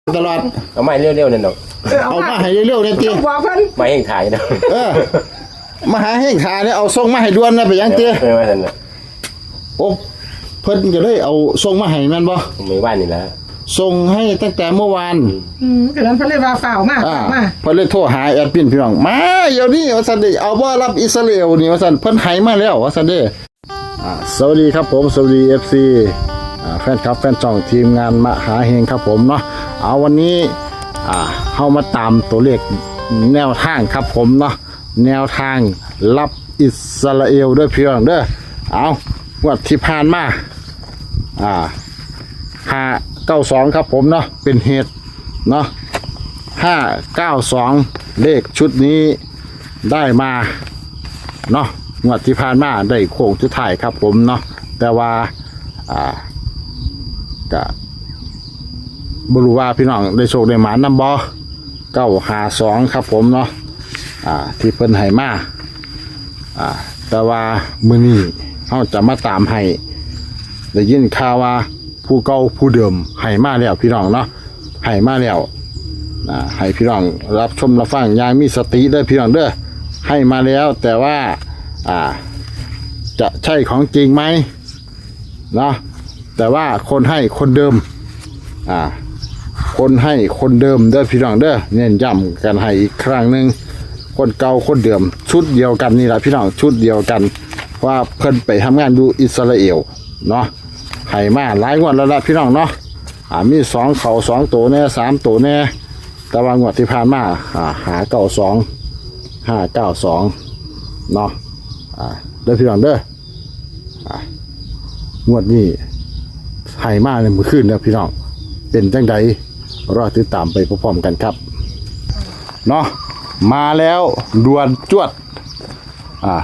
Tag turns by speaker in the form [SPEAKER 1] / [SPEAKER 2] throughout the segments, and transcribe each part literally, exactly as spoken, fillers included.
[SPEAKER 1] ตลอด
[SPEAKER 2] เอาไม่เร็วๆนั่นเนาะ
[SPEAKER 1] เอามาให้เร็วๆเนี่ยจี
[SPEAKER 3] บอกเพิ่น
[SPEAKER 2] ไม่ให้ถ่ายนะ
[SPEAKER 1] เออมาหาแห้งขาเนี่ยเอาส่งมาให้ด่วนนะไปยังเตี้ย
[SPEAKER 2] เออว่าซั่นน่ะ
[SPEAKER 1] โอ้เพิ่นก็เลยเอาส่งมาให้แม่นบ่
[SPEAKER 2] มื้อวานนี่แหละ
[SPEAKER 1] ส่งให้ตั้งแต่เมื่อวาน
[SPEAKER 3] อืมก็นั้นเพิ่นเลยว่าฝ่าวมากมา
[SPEAKER 1] เพิ่นเลยโทรหาแอดมินพี่น้องมาเดี๋ยวนี้ว่าซั่นเด้เอาบ่รับอิสราเอลนี่ว่าซั่นเพิ่นให้มาแล้วว่าซั่นเด้อ่าสวัสดีครับผมสวัสดี เอฟ ซี อ่าแฟนคลับแฟนช่องทีมงานมหาเฮงครับผมเนาะเอาวันนี้อ่าเฮามาตามตัวเลขแนวทางครับผมเนาะแนวทางรับอิสราเอลด้วยพี่น้องเด้อเอางวดที่ผ่านมาอ่าห้าเก้าสองครับผมเนาะเป็นเหตุเนาะห้าเก้าสองเลขชุดนี้ได้มาเนาะงวดที่ผ่านมาได้โค้งสุดท้ายครับผมเนาะแต่ว่าอ่าก็บรู้ว่าพี่น้องได้โชคได้หมานำบ่เก้าหาสองครับผมเนาะอ่าที่เพิ่นให้มาอ่าแต่ว่ามื้อนี้เฮาจะมาตามให้ได้ยินข่าวว่าผู้เก่าผู้เดิมให้มาแล้วพี่น้องเนาะให้มาแล้วอ่าให้พี่น้องรับชมรับฟังอย่างมีสติเด้อพี่น้องเด้อให้มาแล้วแต่ว่าอ่าจะใช่ของจริงไหมเนาะแต่ว่าคนให้คนเดิมอ่าคนให้คนเดิมเด้อพี่น้องเด้อเน้นย้ำกันให้อีกครั้งหนึ่งคนเก่าคนเดิมชุดเดียวกันนี่แหละพี่น้องชุดเดียวกันว่าเพิ่นไปทำงานอยู่อิสราเอลเนาะให้มาหลายงวดแล้วล่ะพี่น้องเนาะอ่ามีสองเขาสองตัวแน่สามตัวแน่แต่ว่างวดที่ผ่านมาอ่าหาเก้าสองห้าเก้าสองเนาะอ่าเด้อพี่น้องเด้ออ่างวดนี้ให้มาในมื้อคืนเด้อพี่น้องเป็นจังใดรอติดตามไปพร้อมๆกันครับเนาะมาแล้วด่วนจวดอ่า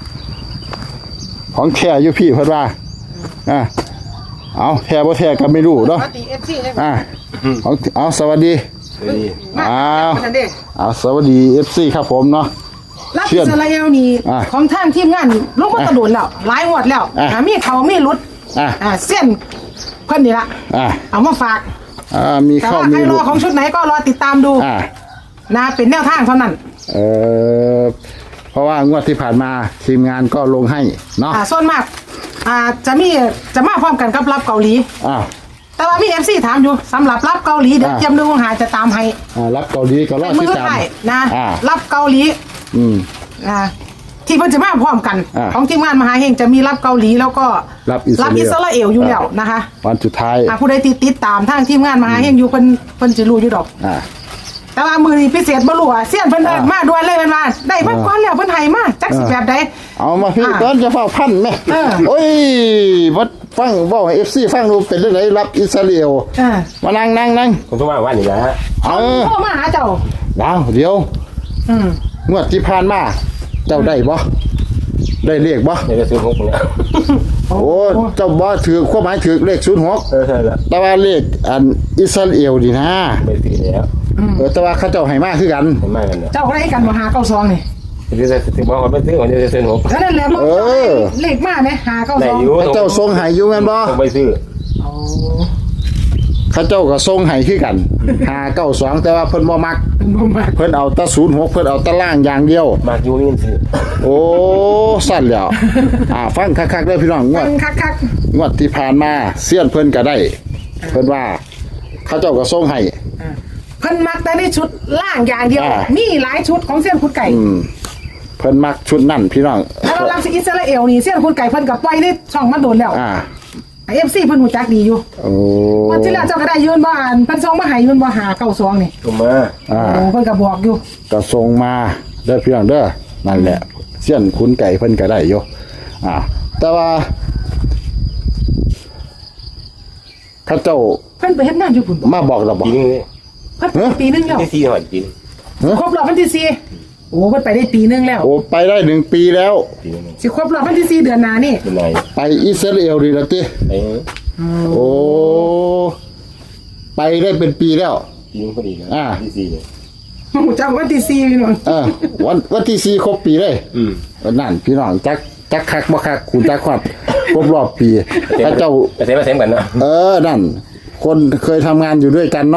[SPEAKER 1] ของแท้อยู่พี่เพิ่นว่าอ่าเอาแท้บ่แท้ก็ไม่รู้เนาะอ่าของเอาสวัสดี
[SPEAKER 2] สวัสดี
[SPEAKER 1] อ้าวเอาสวัสดี เอฟ ซี ครับผมเนาะ
[SPEAKER 3] รับอิสราเอลนี่ของทางทีมงานลงมาตะโดนแล้วหลายงวดแล้วอ่ามีเขามีหลุด
[SPEAKER 1] อ่า
[SPEAKER 3] อ่าเส้นเพิ่นนี่ล่ะ
[SPEAKER 1] อ่า
[SPEAKER 3] เอามาฝาก
[SPEAKER 1] อ่ามีเข้ามี
[SPEAKER 3] ใครรอของชุดไหนก็รอติดตามดู
[SPEAKER 1] อ่า
[SPEAKER 3] นะเป็นแนวทางเท่านั้น
[SPEAKER 1] เออเพราะว่างวดที่ผ่านมาทีมงานก็ลงให้เนาะ
[SPEAKER 3] อ่าส่วนมากอ่าจะมีจะมาพร้อมกันกับรับเกาหลี
[SPEAKER 1] อ่า
[SPEAKER 3] แต่ว่ามี เอฟ ซี ถามอยู่สำหรับรับเกาหลีเดี๋ยวเตรียมดูหาจะตามให้
[SPEAKER 1] อ่ารับเกาหลีก็รอติดตาม
[SPEAKER 3] นะรับเกาหลี
[SPEAKER 1] อืม
[SPEAKER 3] อ่าที่เพิ่นจะมาพร้อมกันของทีมงานมหาเฮงจะมีรับเกาหลีแล้วก็
[SPEAKER 1] รับอิส
[SPEAKER 3] ราเอลอยู่แล้วนะคะ
[SPEAKER 1] วันสุดท้าย
[SPEAKER 3] อ่าผู้ใดติดติดตามทางทีมงานมหาเฮงอยู่เพิ่นเพิ่นสิรู้อยู่ดอก
[SPEAKER 1] อ่า
[SPEAKER 3] แต่ว่ามือนี้พิเศษบ่รู้อ่ะเสี้ยนเพิ่นเอิ้นมาด่วนเลยเพิ่นว่าได้มาก่อนแล้วเพิ่นให้มาจักสิแบบใด
[SPEAKER 1] เอามาพี่ตอนจะเฝ้าพันแม่โอ้ยวัดฟังเว้าให้ เอฟ ซี ฟังดูเป็นจังได๋รับอิสราเอลอ่ามานั่งนั่งนั่ง
[SPEAKER 2] ผมโทรมาวันนี้แหละฮะ
[SPEAKER 3] เออโทรมาหาเจ้า
[SPEAKER 1] ดาวเดี๋ยวอืมงวดที่ผ่านมาเจ้าได้บ่ได้เลขบ่
[SPEAKER 2] ได้ศูนย์หกเนี่ย
[SPEAKER 1] โอ้เจ้าบ่ถือความหมายถือเลขศูนย์หก
[SPEAKER 2] เออใช่แล้ว
[SPEAKER 1] แต่ว่าเลขอันอิสราเอลนี่นะ
[SPEAKER 2] ไม่ถือแล้ว
[SPEAKER 1] เออแต่ว่าเขาเจ้าให้มาคือกัน
[SPEAKER 2] ให้มากัน
[SPEAKER 3] เจ้าก็ได้กันบ่หาเก้าสองนี่
[SPEAKER 2] เดี๋ยวจะถึงบ่คนไปซื้อคนเดียวจะซื้อหก
[SPEAKER 3] นั่นแหละมันเลขมามั้ยหาเก้าสอง
[SPEAKER 1] เขาเจ้าส่งให้อยู่แม่นบ่
[SPEAKER 2] ไปซื้อ
[SPEAKER 3] อ๋อ
[SPEAKER 1] เขาเจ้าก็ส่งให้คือกันหาเก้าสองแต่ว่าเพิ่นบ่มักเพิ่นเอาแต่ศูนย์หกเพิ่นเอาแต่ล่างอย่างเดียว
[SPEAKER 2] มักอยู่นี่สิ
[SPEAKER 1] โอ้สั่นแล้วอ่าฟังคักๆเด้อพี่น้องงวด
[SPEAKER 3] คัก
[SPEAKER 1] ๆงวดที่ผ่านมาเสี้ยนเพิ่นก็ได้เพิ่นว่าเขาเจ้าก็ส่งให้
[SPEAKER 3] เพิ่นมักแต่ในชุดล่างอย่างเดียวมีหลายชุดของเสี้ยนคุดไก่
[SPEAKER 1] อืมเพิ่นมักชุดนั่นพี่น้อง
[SPEAKER 3] แล้วเรารับอิสราเอลนี่เสี้ยนคุดไก่เพิ่นก็ปล่อยในช่องมาโดนแล้ว
[SPEAKER 1] อ่า
[SPEAKER 3] ไอ เอฟ ซี เพิ่นฮู้จักดีอยู่
[SPEAKER 1] โอ้
[SPEAKER 3] วันที่แล้วเจ้าก็ได้ยืนบ่อ่านเพิ่นส่งมาให้ยืนบ่หาเก้าสองนี่
[SPEAKER 2] ส่งมา
[SPEAKER 1] อ่า
[SPEAKER 3] โอ้เพิ่นก็บอกอยู่
[SPEAKER 1] ก็ส่งมาเด้อพี่น้องเด้อนั่นแหละเสี้ยนคุนไก่เพิ่นก็ได้อยู่อ่าแต่ว่าข้าเจ้า
[SPEAKER 3] เพิ่นไปเฮ็ดงานอยู่พุ่น
[SPEAKER 1] มาบอกเราบอก
[SPEAKER 2] ปีนึง
[SPEAKER 3] เพิ่นปีนึงแล้ว
[SPEAKER 2] ที่สี่หอดปีนึง
[SPEAKER 3] ครบรอบวันที่สี่โอ้เพิ่นไปได้ปีนึงแล้ว
[SPEAKER 1] โอ้ไปได้หนึ่งปีแล้ว
[SPEAKER 3] สิครบรอบวันที่สี่เดือนหน้านี่
[SPEAKER 1] ไปอิสราเอลดีละติ
[SPEAKER 2] เออ
[SPEAKER 1] โอ้ไปได้เป็นปีแล้ว
[SPEAKER 2] ปีนึงพอดีนะที่สี่เลย
[SPEAKER 3] โอ้จักวันที่สี่พี่น้อง
[SPEAKER 1] เออวันวันที่สี่ครบปีเลย
[SPEAKER 2] อืม
[SPEAKER 1] นั่นพี่น้องจักจักคักบ่คักคุณจักครบครบรอบปีถ้าเจ้า
[SPEAKER 2] ไปเซ็นมาเซ็นกันเนาะ
[SPEAKER 1] เออนั่นคนเคยทำงานอยู่ด้วยกันเนาะ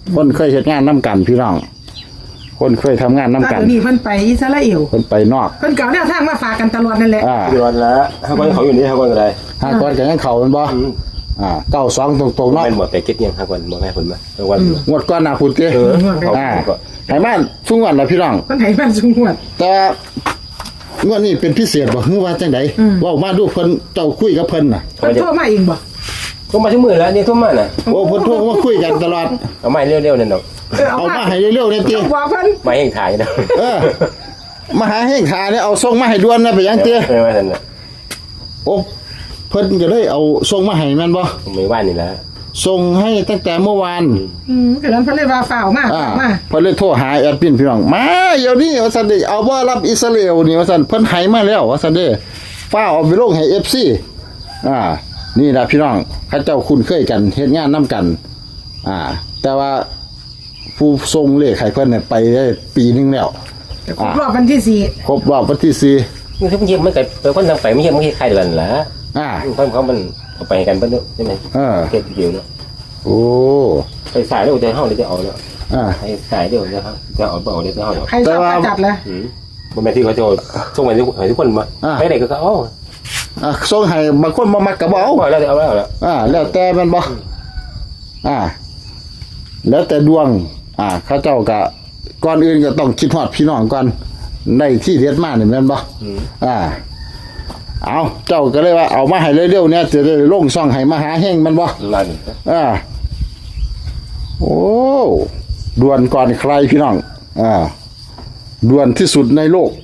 [SPEAKER 1] คนเคยเฮ็ดงานนํกันพี่น้อง คนเคยทำงานนํ
[SPEAKER 3] ตอน
[SPEAKER 1] กัน
[SPEAKER 3] นี้เพิ่นไปอิสราเอล
[SPEAKER 1] เพิ่นไปนอก
[SPEAKER 3] เพิ่นเก่าแนวทางมาฝากกันตลอดนั่นแหละ
[SPEAKER 1] อ่า
[SPEAKER 2] เดือนละห้าคนเขาอยู่นี่ห้าคนอะไร
[SPEAKER 1] หาก่อนก็ยังเข้าแม่นบ่อ่าเก้าสองตรงๆเนาะ
[SPEAKER 2] เป็นหมดแต่เก็ตยังห้าคนหมดแม่คนมาห้าวัน
[SPEAKER 1] งวดก่อนหน้าพุ่นติ
[SPEAKER 2] เออเขา
[SPEAKER 1] อ่า
[SPEAKER 2] ก็
[SPEAKER 1] ให้มันซุงวันล่ะพี่น้อง
[SPEAKER 3] เพิ่นให้มันสูงหวด
[SPEAKER 1] แต่งวดนี้เป็นพิเศษบ่ฮือว่าจังได๋
[SPEAKER 3] อืม
[SPEAKER 1] เว้ามาดูเพิ่นเจ้าคุยกับเพิ่นน่ะ
[SPEAKER 3] เพิ่นโทรมาเองบ่
[SPEAKER 2] ก็มาชั่วมือแล้วเนี่ยทุ่มมาน่ะ
[SPEAKER 1] โอ้เพิ่นโทรมาคุยกันตลอด
[SPEAKER 2] เอาไม้เร็วๆนั่นดอก
[SPEAKER 3] เออเอา
[SPEAKER 1] เอา
[SPEAKER 3] มา
[SPEAKER 1] มาให้เร็วๆเนี่ยติ
[SPEAKER 3] บอกเพิ่น
[SPEAKER 2] ไม้แห้งถ่ายนะ
[SPEAKER 1] เออมาหาแห่งขาเนี่ยเอาส่งมาให้ด่วนนะไปยังเตี้ย
[SPEAKER 2] เออมาทันน่ะ
[SPEAKER 1] โอ้เพิ่นก็เลยเอาส่งมาให้แม่นบ่
[SPEAKER 2] ไม่ว่านนี่แหละ
[SPEAKER 1] ส่งให้ตั้งแต่เมื่อวาน
[SPEAKER 3] อืมก็นั้นเพิ่นเลยว่าฝ่าวมา
[SPEAKER 1] อ่า
[SPEAKER 3] ฝ่าวมา
[SPEAKER 1] เพิ่นเลยโทรหาแอดมินพี่น้องมาเดี๋ยวนี้ว่าซั่นเด้เอาบ่รับอิสราเอลนี่ว่าซั่นเพิ่นให้มาแล้วว่าซั่นเด้ฟ้าเอาไปลงให้ เอฟ ซี อ่า นี่ล่ะพี่น้องเขาเจ้าคุ้นเคยกันเฮ็ดงานนํกัน อ่า แต่ว่าผู้ส่งเลขให้เพิ่นเนี่ยไปได้ปีหนึงแล้ว
[SPEAKER 3] ครบรอบวันที่สี่
[SPEAKER 1] ครบรอบวันที่สี่
[SPEAKER 2] มันคือมันเยี่ยมมันเกิดเป็นคนทางไปไม่เยี่ยมไม่ใครเดือนละ
[SPEAKER 1] อ่า
[SPEAKER 2] เขาเขามันเอาไปกันเพิ่นใช่ไหม
[SPEAKER 1] เออ
[SPEAKER 2] เก็ตเดียวเนาะ
[SPEAKER 1] โอ้
[SPEAKER 2] ไปสายแล้วจะห้องเดี๋ยวจะเอาเนาะ
[SPEAKER 1] อ่า
[SPEAKER 2] ไปสายเดี๋ยวจะจะเอาเอาเดี๋ยวจะเอาเนาะ
[SPEAKER 3] ใครชอบก็จัดเลย
[SPEAKER 2] อืมบนแม่ที่เขาจะส่งไปทุกทุกคนมาไปไหนก็เขา
[SPEAKER 1] อ่ะส่งให้บางคนบ่มักก็บ่เอา
[SPEAKER 2] เอาแล้วเอาแล้วเอาแล้ว
[SPEAKER 1] อ่า แล้วแต่แมันบ่อ่า แล้วแต่ดวง อ่าเขาเจ้าก็ก่อนอื่นก็ต้องคิดฮอดพี่น้องก่อนในที่เด็ดมานี่แม่นบ่อ่า เอาเจ้าก็เลยว่าเอามาให้เร็วๆเนี่ยจะได้ลงช่องให้มหาแห่งแมันบ่
[SPEAKER 2] นั่น
[SPEAKER 1] อ่า โอ้ด่วนก่อนใครพี่น้อง อ่าด่วนที่สุดในโลก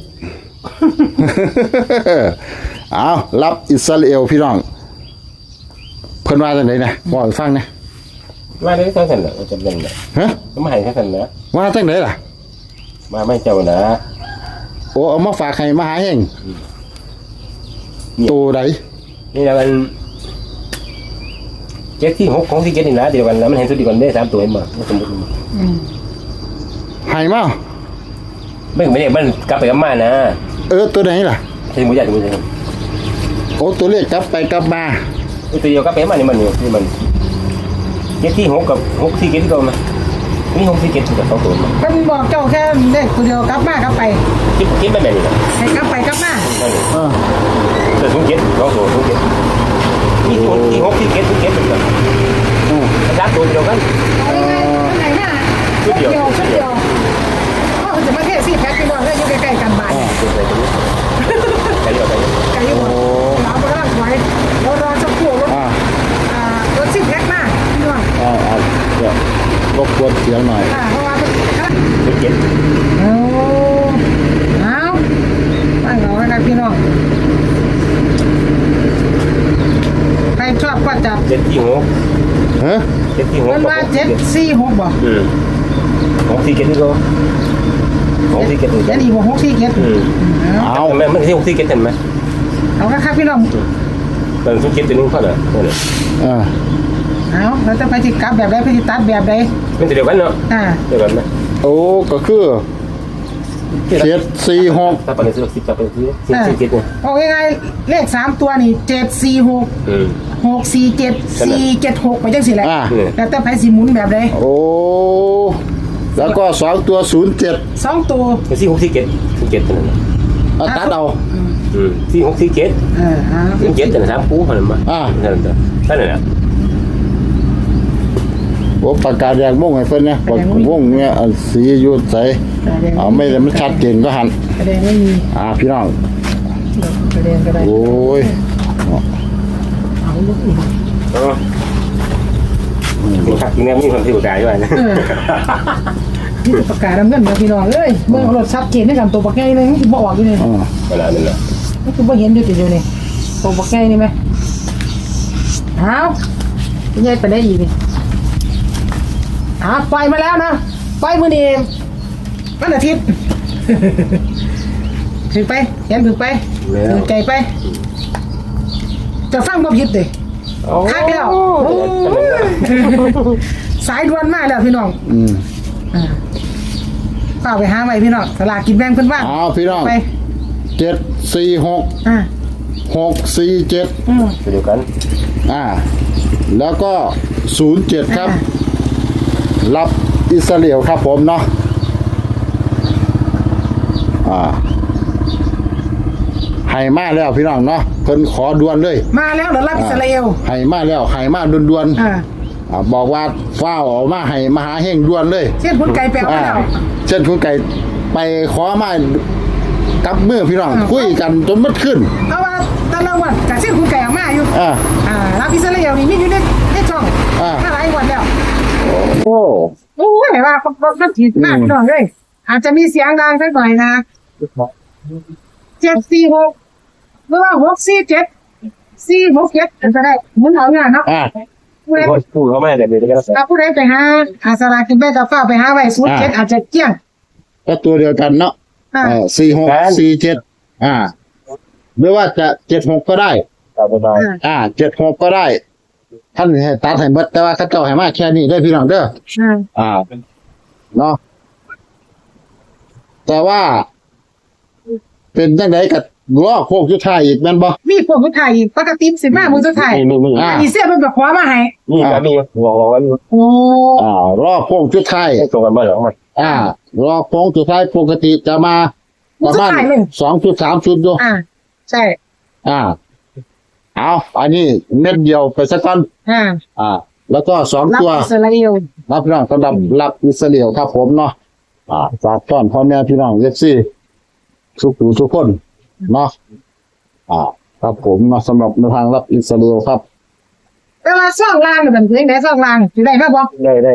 [SPEAKER 1] เอารับอิสราเอลพี่น้อง เพิ่นว่าจังไดนะบอกให้ฟังนะ
[SPEAKER 2] มาได้ทั้งกันเหรอจำเป็นเหรอ
[SPEAKER 1] ฮะ
[SPEAKER 2] มาให้ทั้งกันนะ
[SPEAKER 1] ว่าจังไดล่ะ
[SPEAKER 2] มาไม่เจ้านะ
[SPEAKER 1] โอ้เอามาฝากให้มหาแห่งตัวใด
[SPEAKER 2] นี่นะมันเจ็ดที่หกของที่เจ็ดนี่นะเดียวกันแล้วมันเห็นสุดดีกันได้สามตัวเห็นบ่สมมติ
[SPEAKER 3] อืม
[SPEAKER 1] ให้มา
[SPEAKER 2] ไม่ไม่เนี่ยมันกลับไปกลับมานะ
[SPEAKER 1] เออตัวไหนล่ะ
[SPEAKER 2] ใช่หมูยัดหมูใช่
[SPEAKER 1] โอ้ตัวเลขกลับไปกลับมา
[SPEAKER 2] ตัวเดียวกลับไปกลับมานี่มันนี่นี่มันเจ็ดที่หกกับหกที่เจ็ดก็มานี่หกที่เจ็ดกับสองตัวมา
[SPEAKER 3] เพิ่นบอกเจ้าแค่เลขตัวเดียวกลับมากลับไป
[SPEAKER 2] คิดคิดไม่แบบนี้นะ
[SPEAKER 3] ให้กลับไปกลับมา
[SPEAKER 2] นั่น
[SPEAKER 1] เออ
[SPEAKER 2] แต่สองเจ็ดสองตัวสองเจ็ดนี่หกที่หกที่เจ็ดที่เจ็ดเหมือนกัน
[SPEAKER 1] อืม
[SPEAKER 2] สามตัวเดียวกัน
[SPEAKER 3] เอาง่ายๆไหนมา
[SPEAKER 2] ชุดเดียว
[SPEAKER 3] ชุดเดียวเขาจะมาเทศสี่แพ็คพี่น้องเลยอยู่ใกล้ๆกันบ้าน
[SPEAKER 2] ใช่เดียวกัน
[SPEAKER 3] ไก่อยู่บ่หลาบ่ได้ไว้เรารอสักครู่รถ
[SPEAKER 1] อ่า
[SPEAKER 3] อ่ารถสี่แพ็คมาพี่น้อง
[SPEAKER 1] อ่าอ่าเดี๋ยวรบกวนเสียงหน่อย
[SPEAKER 3] อ่าเพราะว่ามัน
[SPEAKER 2] สองเจ็ด
[SPEAKER 3] โอ้เอาตั้งเอาไว้นะพี่น้องใครชอบก็จับ
[SPEAKER 2] เจ็ดที่หก
[SPEAKER 1] ฮะ
[SPEAKER 2] เจ็ดที่หก
[SPEAKER 3] มันว่าเจ็ดสี่หกบ่
[SPEAKER 2] อืมหกที่เจ็ดนี่ก็หกที่เจ็ดนี่
[SPEAKER 3] เจ็
[SPEAKER 2] กั
[SPEAKER 3] ด
[SPEAKER 2] น
[SPEAKER 3] อีกบ่หกสี่เจ็ด
[SPEAKER 2] อืม
[SPEAKER 3] เอา
[SPEAKER 2] เอาแม่มันที่หกที่เจ็ดเห็นไหม
[SPEAKER 3] เอาละครับพี่น้อง
[SPEAKER 2] มันทุกเจ็ดตัวนึงเท่าไหร่นั่นแหละ
[SPEAKER 1] อ่า
[SPEAKER 3] เอาเราจะไปจิกลับแบบใดไปจิตัดแบบใด
[SPEAKER 2] มันเดียวกันเนาะ
[SPEAKER 3] อ่า
[SPEAKER 2] เดียวกันไหม
[SPEAKER 1] โอ้ก็คือเจ็ดสี่หก
[SPEAKER 2] ถ้าปฏิเสธสิบจะเป็นที่สิบสี่เจ็ดเนี่ย
[SPEAKER 3] เอาง่ายๆเลขสามตัวนี่เจ็ดสี่หก
[SPEAKER 2] อืม
[SPEAKER 3] หกสี่เจ็ดสี่เจ็ดหกไปจังสิแหละ
[SPEAKER 1] อ่า
[SPEAKER 3] แล้วแต่ไผสิหมุนแบบใด
[SPEAKER 1] โอ้แล้วก็สองตัวศูนย์เจ็ด
[SPEAKER 3] สองตัว
[SPEAKER 2] เป็นสี่หกสี่เจ็ดสี่เจ็ดตัวนั้น
[SPEAKER 1] เอาตัดเอา
[SPEAKER 2] อืมสี่หกสี่เจ็ด
[SPEAKER 3] เออเอา
[SPEAKER 2] สี่เจ็ดแต่สามคู่เท่านั้นมา
[SPEAKER 1] อ่า
[SPEAKER 2] นั่นแหละนั่นแหละ
[SPEAKER 1] โอ้ปากกาแดงม่วงให้เพิ่นนะปากม่วงเนี่ยเอาสีอยูดใสเอาไม่ได้มันชัดเจนก็หัน
[SPEAKER 3] กระแดงไม่มี
[SPEAKER 1] อ่าพี่น้อง
[SPEAKER 3] กระแดงกระแดง
[SPEAKER 1] โอ้ย
[SPEAKER 3] เอาลูกอีก
[SPEAKER 2] เออจริงๆเนี่ยมีคนที่อุดายด้วยนะ
[SPEAKER 3] นี่ประกาศดำเนินมาพี่น้องเอ้ยเบิ่งเอารถชัดเจนในกันตัวบักใหญ่เลยมันสิบ่ออกอยู่นี่
[SPEAKER 1] อ่า
[SPEAKER 2] เวลานั้นแหละ
[SPEAKER 3] มันคือบ่เห็นอยู่ติเดียวนี่ตัวบักใหญ่นี่ไหมเอาใหญ่ไปได้อีกนี่อ่าปล่อยมาแล้วนะปล่อยมื้อนี้วันอาทิตย์ ถึงไปเห็นถึงไปถึงใจไป จะฟังบ่ผิดเด้คักแล้วโอ้ยสายด่วนมากแล้วพี่น้อง
[SPEAKER 1] อืม
[SPEAKER 3] อ่าเปล่าไปหาไว้พี่น้องสลากกินแบ่งเพิ่นว่าง
[SPEAKER 1] เอาพี่น้อง
[SPEAKER 3] ไป
[SPEAKER 1] เจ็ดสี่หก
[SPEAKER 3] อ่า
[SPEAKER 1] หกสี่เจ็ด
[SPEAKER 3] อืม
[SPEAKER 2] เดียวกัน
[SPEAKER 1] อ่า แล้วก็ศูนย์เจ็ดครับ รับอิสราเอลครับผมเนาะอ่าให้มาแล้วพี่น้องเนาะเพิ่นขอด่วนเลย
[SPEAKER 3] มาแล้วเดี๋ยวรับอิสราเอล
[SPEAKER 1] ให้มาแล้วให้มาด่วน
[SPEAKER 3] อ่า
[SPEAKER 1] ๆอ่าบอกว่าฟ้าวออกมาให้มหาเฮงด่วนเลย
[SPEAKER 3] เช่นคุณไก่แปลว
[SPEAKER 1] อ่า
[SPEAKER 3] แล้ว
[SPEAKER 1] เช่นคุณไก่ไปขอมากับมือพี่น้อง
[SPEAKER 3] อ่า
[SPEAKER 1] คุยกันจนมัดขึ้น
[SPEAKER 3] เพราะว่าตะละวันกับเช่นคุณไก่ออกมาอยู่
[SPEAKER 1] อ่า
[SPEAKER 3] อ่ารับอิสราเอลนี่มีอยู่ในในช่อง
[SPEAKER 1] อ่า
[SPEAKER 3] ถ้าหลายวันแล้ว
[SPEAKER 1] โอ้
[SPEAKER 3] โอ้ยว่าเขาเขาถีบมาก
[SPEAKER 1] อืม
[SPEAKER 3] พี่น้องเลยอาจจะมีเสียงดังสักหน่อยนะเจ็ดสี่หกหรือว่าหกสี่เจ็ดสี่หกเจ็ดจะได้หมุนเอางานเนาะ
[SPEAKER 1] อ่า
[SPEAKER 3] ผู้ใด
[SPEAKER 2] พูดเขาไม่ได้เดี๋ยวจะ
[SPEAKER 3] ถ้าผู้ใดไปหาอาสลากินแบ่กับฟ้าไปหาไว้ศูนย์เจ็ดอาจจะเกี้ยง
[SPEAKER 1] ก็ตัวเดียวกันเนาะ
[SPEAKER 3] อ่า
[SPEAKER 1] เออสี่หกสี่เจ็ดอ่าหรือว่าจะเจ็ดหกก็ได้
[SPEAKER 2] ตามสบาย
[SPEAKER 3] อ่า
[SPEAKER 1] อ่าเจ็ดหกก็ได้ ท่านให้ตัดให้เบิดแต่ว่าเข้าเจ้าให้มาแค่นี้ได้อพี่น้องเด้อ
[SPEAKER 3] อ่า
[SPEAKER 1] อ่าเนาะแต่ว่า เป็นจังไดกับล้อโคกยุทธายอีกแม่นบ่
[SPEAKER 3] มีพวกผู้ไทยอีกปกติสิบห้ามือสุดท้าย
[SPEAKER 2] มีมีมี
[SPEAKER 1] อ่า
[SPEAKER 3] อีเสียมันแบบขวามาให้
[SPEAKER 2] มีก็มีบอกบอกว่า
[SPEAKER 3] โอ้
[SPEAKER 1] อ่าล้อโคกยุทธาย
[SPEAKER 2] ไม่ตรงกันบ้างหรอมัน
[SPEAKER 1] อ่ารอโค้งสุดท้ายปกติจะมาประมาณสองจุดสามจุดดู
[SPEAKER 3] อ่าใช่
[SPEAKER 1] อ่า เอาอันนี้เม็ดเดียวไปสักก้อน
[SPEAKER 3] อ่า
[SPEAKER 1] อ่า แล้วก็สอง
[SPEAKER 3] รับ
[SPEAKER 1] ตัว
[SPEAKER 3] อิสราเอล
[SPEAKER 1] รับพี่น้องสำหรับรับอิสราเอลครับผมเนาะอ่าฝากต้อนพ่อแม่พี่น้องเอฟซีทุกผู้ทุกคนเนาะอ่า ครับผมเนาะสำหรับในทางรับอิสราเอลครับ
[SPEAKER 3] แต่ว่าซ่องล่างเนี่ยมันเป็นไงซ่องล่างสิได้ครับบ่
[SPEAKER 2] ได้ได้